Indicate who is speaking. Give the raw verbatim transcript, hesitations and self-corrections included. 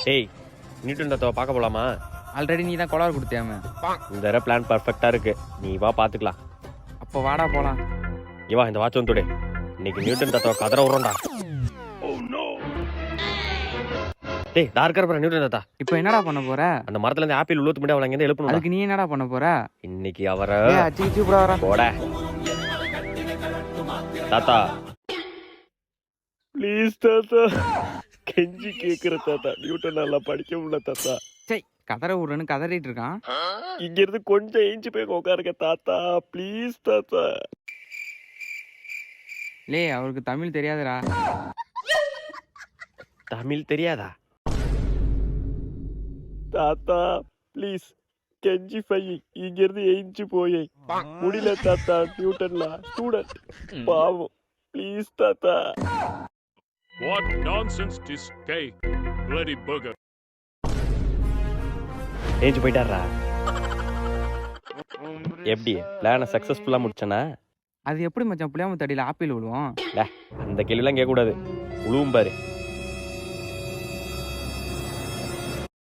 Speaker 1: டேய் நியூட்டன் தத்துவ பார்க்க போலாமா?
Speaker 2: ஆல்ரெடி நீ தான் கோளாறு கொடுத்தியாம.
Speaker 1: இந்த தடவை பிளான் பர்ஃபெக்டா இருக்கு, நீ வா பாத்துக்கலாம்.
Speaker 2: அப்போ வாடா போலாம்.
Speaker 1: இவா இந்த வாட்ச் வந்து இன்னைக்கு நியூட்டன் தத்துவ கதற விடுறோம்டா. டேய் டார்க்கர் பர நியூட்டன் தாத்தா.
Speaker 2: இப்போ என்னடா பண்ண போற?
Speaker 1: அந்த மரத்துல இருந்து ஆப்பிள் உள்ள தும்பிட்டு அவளை இங்க இருந்து எழுப்பணும்.
Speaker 2: அதுக்கு நீ என்னடா பண்ண போற?
Speaker 1: இன்னைக்கு அவரை
Speaker 2: ஏய் அச்சி அச்சி புடா வரா.
Speaker 1: போட தாத்தா ப்ளீஸ் தாத்தா, கெஞ்சி கேக்குற தாத்தா. நியூட்டன் நல்லா படிக்க முடியல தாத்தா.
Speaker 2: சை கதற விடுறேன்னு கதறிட்டு இருக்கான்.
Speaker 1: இங்க இருந்து கொஞ்சம் ஏஞ்சி போய் உட்காருங்க தாத்தா, ப்ளீஸ் தாத்தா.
Speaker 2: லே அவருக்கு தமிழ் தெரியாதுடா.
Speaker 1: தமிழ் தெரியாதா தாத்தா? ப்ளீஸ் கெஞ்சி பை, இங்க இருந்து ஏஞ்சி போய் முடியல தாத்தா. நியூட்டன்ல ஸ்டூடெண்ட் பாவம், ப்ளீஸ் தாத்தா.
Speaker 3: What nonsense this guy, bloody bugger.
Speaker 1: ஏஞ்சி போயிட்டாரா? எப்படி பிளான சக்சஸ்ஃபுல்லா முடிச்சனா?
Speaker 2: அது எப்படி மச்சான் புளியாம தடியில ஆப்பிள் விழுவோம்?
Speaker 1: அந்த கேள்விலாம் கேட்க கூடாது, உழுவும் பாரு.